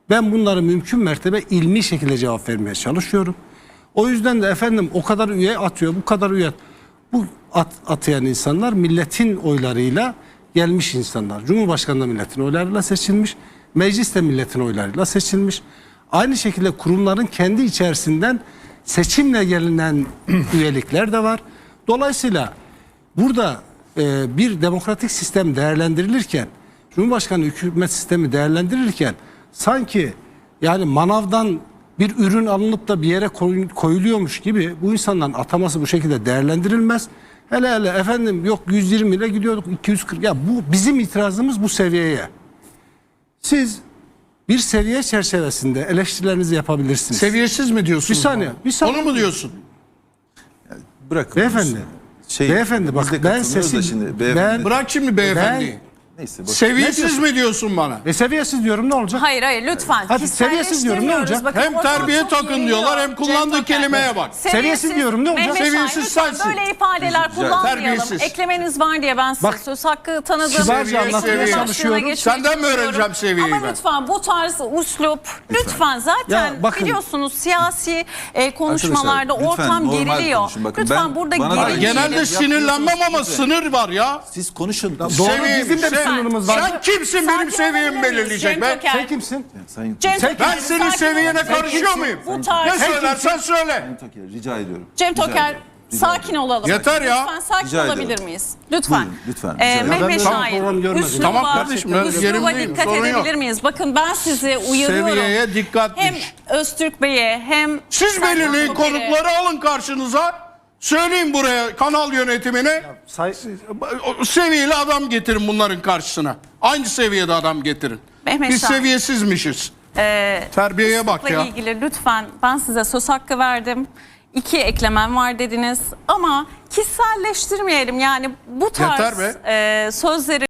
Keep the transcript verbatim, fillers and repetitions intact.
Ben bunları mümkün mertebe ilmi şekilde cevap vermeye çalışıyorum. O yüzden de efendim o kadar üye atıyor, bu kadar üye. Bu at, atayan insanlar milletin oylarıyla gelmiş insanlar. Cumhurbaşkanı da milletin oylarıyla seçilmiş. Meclis de milletin oylarıyla seçilmiş. Aynı şekilde kurumların kendi içerisinden seçimle gelinen üyelikler de var. Dolayısıyla burada e, bir demokratik sistem değerlendirilirken, Cumhurbaşkanı hükümet sistemi değerlendirilirken sanki yani manavdan bir ürün alınıp da bir yere koyuluyormuş gibi bu insanların ataması bu şekilde değerlendirilmez. Hele hele efendim yok yüz yirmi ile gidiyorduk iki yüz kırk. Ya bu bizim itirazımız bu seviyeye. Siz bir seviye çerçevesinde eleştirilerinizi yapabilirsiniz. Seviyesiz mi diyorsunuz? Bir saniye. Bana? Bir saniye. Onu mu diyorsun? Bırakın. Beyefendi. Şey, beyefendi bak ben sesim şimdi, ben Bırak şimdi beyefendiyi. Neyse, boş. Seviyesiz mi diyorsun bana? e, seviyesiz diyorum ne olacak? Hayır hayır lütfen. Hadi seviyesiz diyorum, ne olacak? Bakın, Hem ortam terbiye çok takın geriliyor. diyorlar hem kullandığı Cem Toker. kelimeye bak. Seviyesiz diyorum, ne olacak? Mehmet Şahin, Seviyesiz lütfen sensin. böyle ifadeler Rica- kullanmayalım. Terbiyesiz. Eklemeniz var diye ben size Bak, söz hakkı tanıdım. kibarca Seviye, anlatmaya seviye. çalışıyorum. Geçmek Senden mi istiyorum. öğreneceğim seviyeyi Ama ben? lütfen bu tarz uslup lütfen, zaten Ya bakın. biliyorsunuz siyasi e, konuşmalarda Arkadaşlar, lütfen ortam normal geriliyor. konuşun. Bakın lütfen ben- burada bana da- gerilmeyin. Genelde Yapıyorsunuz sinirlenmem ama lütfen. sınır var ya. Siz konuşun. Doğru, Seviye- bizim de bir sen- sınırımız var. Sen kimsin benim Sakin seviyemi olabilir miyiz belirleyecek Cem be? Toker? Sen kimsin? Sayın, Cem Sen- Toker, Ben senin sakin seviyene olabilir karışıyor misin? muyum? Bu Ne tarz. söylersen söyle. Sayın Toker, rica ediyorum. Cem Rica Toker, ediyorum. Rica sakin ediyorum. olalım. Yeter ya. Lütfen sakin Rica olabilir ediyorum. miyiz? Lütfen. Buyurun, lütfen, rica Ee, ediyorum. Mehmet Ben program Şahin, görmedim. üsluba, Tamam kardeşim, ben üsluba yerimdeyim, dikkat sorun yok. edebilir miyiz? Bakın ben sizi uyarıyorum. Seviyeye dikkatmiş. Hem Öztürk Bey'e hem... Siz Sayın belirleyin, Toker'e. konukları alın karşınıza. Söyleyin buraya kanal yönetimine. Say O seviyeli adam getirin bunların karşısına. Aynı seviyede adam getirin. Mehmet Biz Şahin. seviyesizmişiz. Ee, Terbiyeye bak Uslupla ya. ilgili lütfen, ben size söz hakkı verdim. İki eklemem var dediniz ama kişiselleştirmeyelim, yani bu tarz Yeter be. e, sözleri